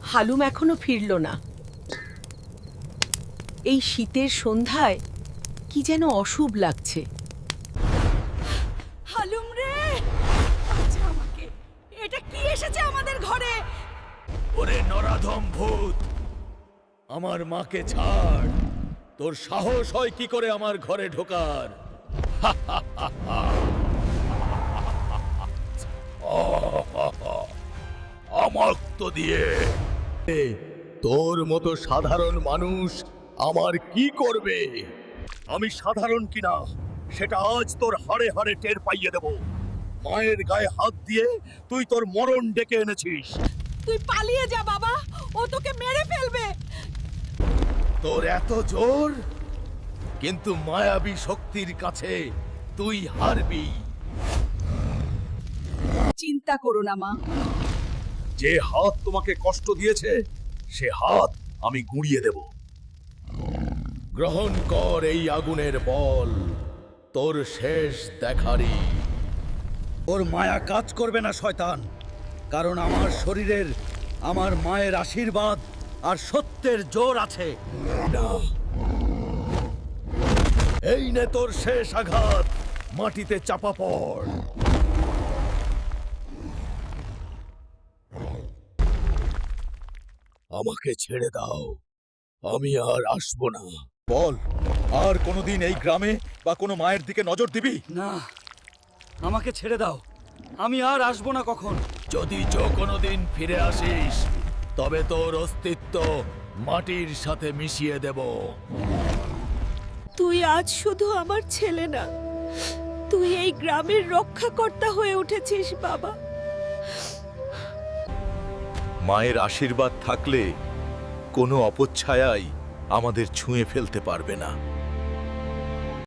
হালুম এখনো ফিরল না। এই শীতের সন্ধ্যায় কি যেন অশুভ লাগছে। হালুম রে, বাঁচা আমাকে। এটা কি এসেছে আমাদের ঘরে? ওরে নরাধম ভূত, আমার মাকে ছাড়। তোর সাহস হয় কি করে আমার ঘরে ঢোকার? আমাক্ত দিয়ে তোর মতো সাধারণ মানুষ আমার কি করবে? আমি সাধারণ কিনা সেটা আজ তোর হাড়ে হাড়ে টের পাইয়ে দেব। মায়ের গায়ে হাত দিয়ে তুই তোর মরণ ডেকে এনেছিস। তুই পালিয়ে যা বাবা, ও তোকে মেরে ফেলবে। তোর এত জোর, কিন্তু মায়াবী শক্তির কাছে তুই হারবি। চিন্তা করো না মা। যে হাত তোমাকে কষ্ট দিয়েছে সে হাত আমি গুঁড়িয়ে দেব। গ্রহণ কর এই আগুনের বল, তোর শেষ দেখারি। ওর মায়া কাজ করবে না শয়তান, কারণ আমার শরীরের আমার মায়ের আশীর্বাদ আর সত্যের জোর আছে। এই নে তোর শেষ আঘাত, মাটিতে চাপা পড়। আমাকে ছেড়ে দাও, আমি আর আসবো না। বল, আর কোনোদিন এই গ্রামে বা কোনো মায়ের দিকে নজর দিবি না, আমাকে ছেড়ে দাও, আমি আর আসবো না কখন। যদি কোনোদিন ফিরে আসিস তবে তোর অস্তিত্ব মাটির সাথে মিশিয়ে দেব। তুই আজ শুধু আমার ছেলে না, তুই এই গ্রামের রক্ষাকর্তা হয়ে উঠেছিস বাবা। মায়ের আশীর্বাদ থাকলে কোনো অপচ্ছায়াই আমাদের ছুঁয়ে ফেলতে পারবে না।